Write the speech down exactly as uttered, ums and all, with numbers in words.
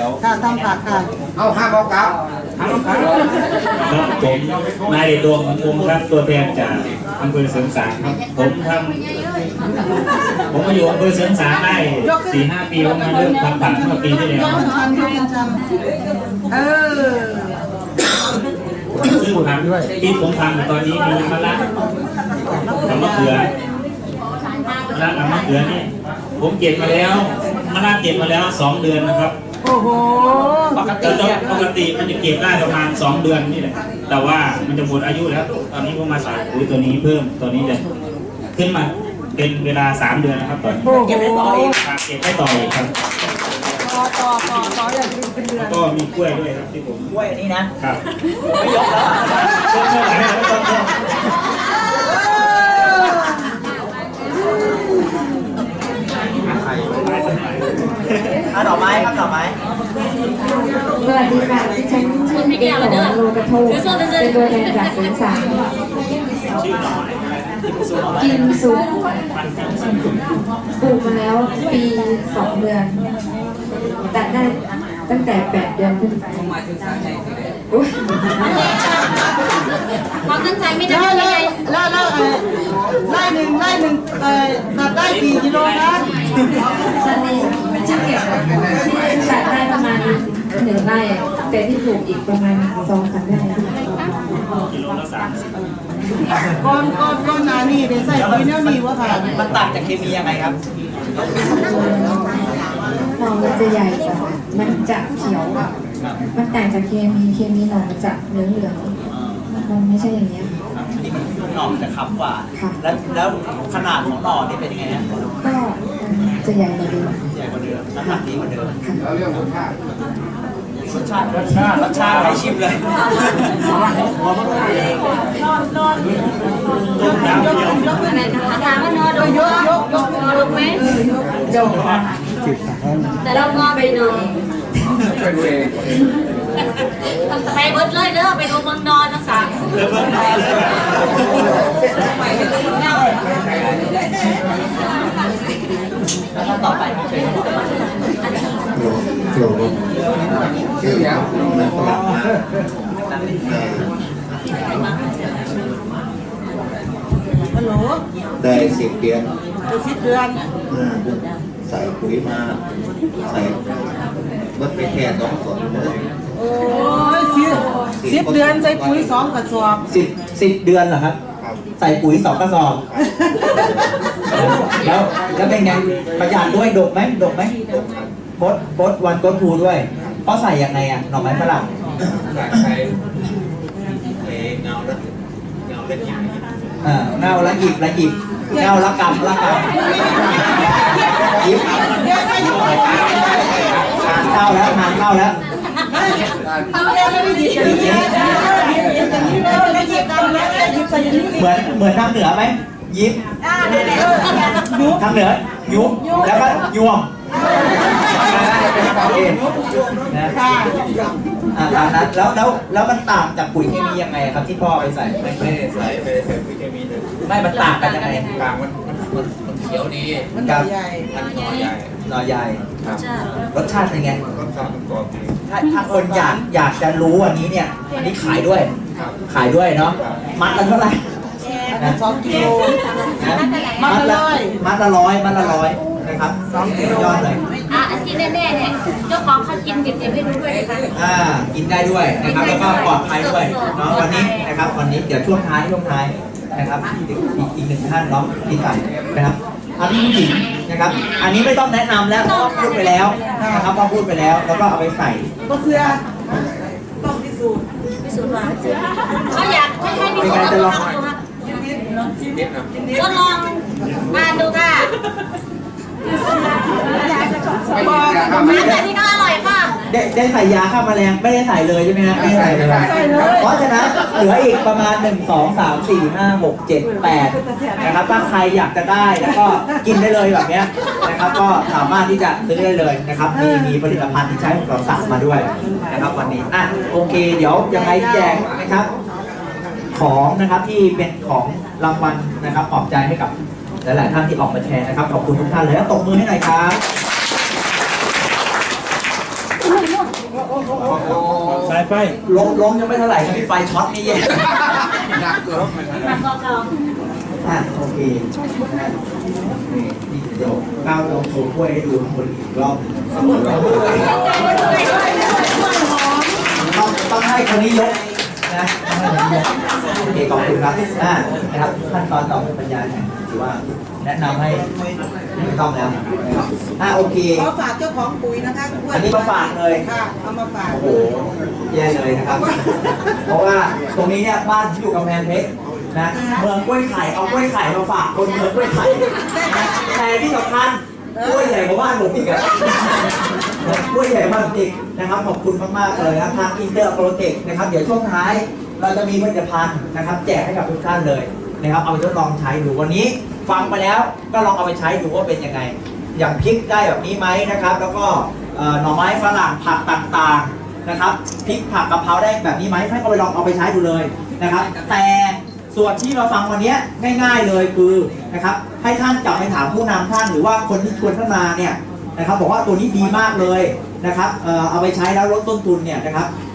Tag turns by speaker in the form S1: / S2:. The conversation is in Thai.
S1: ยว
S2: ค่ะทำผักค่ะ
S1: เอาห้าโมงครับห้าโมงครับ
S3: ครับผมนายเดชดวงวงครับตัวแทนจากอำเภอเสริมสางครับผมทำผมมาอยู่อำเภอเสริมสางได้สี่ห้าปีผมมาเริ่มทำผักเมื่อปีที่แล้ว
S2: ชันชันชันเออ
S3: ซึ่งผักที่ผมทำตอนนี้มีมะระกับมะเขือมะระกับมะเขือนี่ผมเก็บมาแล้วมะระเก็บมาแล้วสองเดือนนะครับ
S2: โอ้โห
S3: ปกติปกติมันจะเก็บได้ประมาณสองเดือนนี่แหละแต่ว่ามันจะหมดอายุแล้วตอนนี้ผมมาใส่ปุ๋ยตัวนี้เพิ่มตัวนี้จะขึ้นมาเป็นเวลาสามเดือนนะครับตอนนี้
S2: เก็บได้ต่ออีก
S3: เก็บได้ต่ออีกครับ
S2: ต่อต่อต่อต่ออย่างเป็นเดือน
S3: ก็มีกล้วยด้วยครับที่ผม
S1: กล้วยอันนี้นะครับไม่ยกแล้ว
S3: ก็เท่าไหร่แล้วก็
S1: อ่ะดอกไม้ครับดอกไม้
S4: สวัสดีค่ะที่ฉันชื่อเด็กของโลกระทงเป็นตัวแทนจากสวนสามกินซุปปลูกมาแล้วปีสองเดือนตัดได้ตั้งแต่แปดเดือนขึ้นไป
S5: ความตั้งใจไม่ได้
S2: ไล่ไล่ไล่ไล่หนึ่งไล่หนึ่งเอ่อตัดได้กี่กิโลนะ
S4: ตอนนี้ที่เก็บที่ตัดได้ประมาณหนึ่งไร่แต่ที่ปลูกอีกประมาณสองสามไร่
S3: กิโลละสามสิบ
S2: ก้อนก้อนก้อนนานี่ได้ใส่ปุ๋ยแนวนี้วะค่ะ
S1: มันต่างจากเคมียังไงครับ
S4: หน่อมันจะใหญ่กว่ามันจะเขียวมันต่างจากเคมีเคมีหน่อมันจะเหลืองเหลืองมันไม่ใช่อย่างนี้
S1: อันนี้มันหน่อมันจะค้ำกว่าแล้วแล้วขนาดของหน่อนี่เป็นยังไงฮะ
S4: ก็จะใหญ่กว่าเดิม
S1: ใหญ่กว่าเดิมน้ำหนักดีกว่าเดิม
S2: แล้วเรื่องรสชาติ
S1: รสชาติรสชาติรสชาติให้ชิมเลย
S5: นอนนอนอะไรนะคะถามว่านอนดูยกยกยกนอนดูไหม
S2: ยก
S5: แต่เรางอไปนอนไปเบิร์ดเลยเด้อไปดูเมืองนอนทั้งสาม
S1: แล้วต่อไปเชิญ
S6: โกรธชื่อยังมันตลาดมา
S2: ฮัลโหล
S6: ได้สิบเดือน
S2: สิบเดือน
S6: ใส่ปุ๋ยมาใส่วัดไปแค่สองส่วนเลย
S2: โอ้ยสิบสิบเดือนใส่ปุ๋ยสองกระสอบ
S1: สิบสิบเดือนเหรอครับใส่ปุ๋ยสองกระสอบแล้วแล้วเป็นไงประหยัดด้วยดกไหมดกไหมโคตรโคตรวันโคตรทูด้วยเพราะใส่ยังไงอ่ะหน่อไม้ฝรั่ง
S6: ใส่เงาละเงาละหยิบ
S1: อ่าเงาละหยิบละหยิบเงาละกำละกำหยิบเข้าแล้วงานเข้าแล้วเหมือนเหมือนทางเหนือไหมยิบทางเหนือยุบแล้วก็ยวมเป็นความเองนะตามนั้นแล้วแล้วแล้วมันต่างจากปุ๋ยเคมียังไงครับที่พ่อไปใส่
S6: ไม่ไม่ใส่ไม่ใส่ปุ๋ยเคมีเลย
S1: ไม่มันต่างกันยังไง
S6: ต่างมันมันมันเขียวดี
S2: มันหน่อใหญ่
S6: มันหน่อใหญ่
S1: หน่อใหญ่รสชาติเป็นไง
S6: รสชาติมันกรอบดี
S1: ถ้าถ้าคนอยากอยากจะรู้อันนี้เนี่ยอันนี้ขายด้วยขายด้วยเนาะมัดละเท่าไหร่
S2: สองกิโล
S1: มัดละมัดละร้อยมัดละร้อยนะครับสองกิโลยอดเลย
S5: อ่ะอันที่แน่ๆเนี่ยเจ้าของเขากินเก็บเก็บให้ดูด้วยนะคะ
S1: อ่ากินได้ด้วยนะครับแล้วก็ปลอดภัยด้วยเนาะวันนี้นะครับวันนี้เดี๋ยวช่วงท้ายช่วงท้ายนะครับอีกอีกหนึ่งท่านเนาะที่ใส่นะครับอันนี้ผู้หญิงนะครับอันนี้ไม่ต้องแนะนำแล้วเพราะพูดไปแล้วนะครับพอพูดไปแล้วแล้วก็เอาไปใส่
S2: ก็เสื้อต้องพิสูจน์
S5: พิสูจน์ว่าเขาอยากให้ให้พิสูจน์ลองดูครับทดลองมาดูค่ะน้ำแต่นี่ก็อร่อยค่ะ
S1: ได้ได้ใส่ยาฆ่าแมลงไม่ได้ใส่เลยใช่ไหมฮะไม่ได้ใส่เลยเพราะฉะนั้นเหลืออีกประมาณหนึ่งสองสามสี่ห้าหกเจ็ดแปดนะครับถ้าใครอยากจะได้แล้วก็กินได้เลยแบบนี้นะครับก็สามารถที่จะซื้อได้เลยนะครับมีมีผลิตภัณฑ์ที่ใช้ของเราสั่งมาด้วยนะครับวันนี้อ่ะโอเคเดี๋ยวยังไงแจกนะครับของนะครับที่เป็นของรางวัลนะครับปลอบใจให้กับหลายๆท่านที่ออกมาแชร์นะครับขอบคุณทุกท่านเลยแล้วตบมือให้หน่อยครับ
S3: สายไฟ
S1: ล้มล้มยังไม่เท่าไหร่นะพี่ไฟช็อตนี่แย่
S6: หนักเกิน
S1: อ่ะโอเคนี่นี่เดี๋ยวก้าวลองโชว์กล้วยให้ดูข้างบนอีกรอบต้องต้องให้คนนี้ยกนะต้องให้คนนี้ยกโอเคขอบคุณครับอ่านะครับขั้นตอนต่อไปบรรยายเนี่ยถือว่าแนะนำให้ไม่ต้องแล้วนะครับอ่าโอเค
S2: ขอฝากเจ้าของปุ๋ยนะคะ
S1: อันนี้มาฝากเลย
S2: ค่ะเอามาฝาก
S1: โอ้โหแย่เลยนะครับ เพราะว่าตรงนี้เนี่ยบ้านที่อยู่กำแพงเพชรนะเมืองกล้วยไข่เอากล้วยไข่มาฝากคนเมืองกล้วยไข่นะแต่ที่สำคัญกล้วยใหญ่กว่าบ้านผมอีกอะกล้วยใหญ่มากจริงนะครับขอบคุณมากๆเลยนะทางอินเตอร์โปรเจกต์นะครับเดี๋ยวช่วงท้ายเราจะมีผลิตภัณฑ์นะครับแจกให้กับทุกท่านเลยนะครับเอาไปทดลองใช้ดูวันนี้ฟังไปแล้วก็ลองเอาไปใช้ดูว่าเป็นยังไงอย่างพริกได้แบบนี้ไหมนะครับแล้วก็หน่อไม้ฝรั่งผักต่างๆนะครับพริกผักกะเพราได้แบบนี้ไหมให้ก็ไปลองเอาไปใช้ดูเลยนะครับแต่ส่วนที่เราฟังวันนี้ง่ายๆเลยคือนะครับให้ท่านกลับไปถามผู้นำท่านหรือว่าคนที่ชวนท่านมาเนี่ยนะครับบอกว่าตัวนี้ดีมากเลยนะครับเอ่อเอาไปใช้แล้วลดต้นทุนเนี่ยนะครับ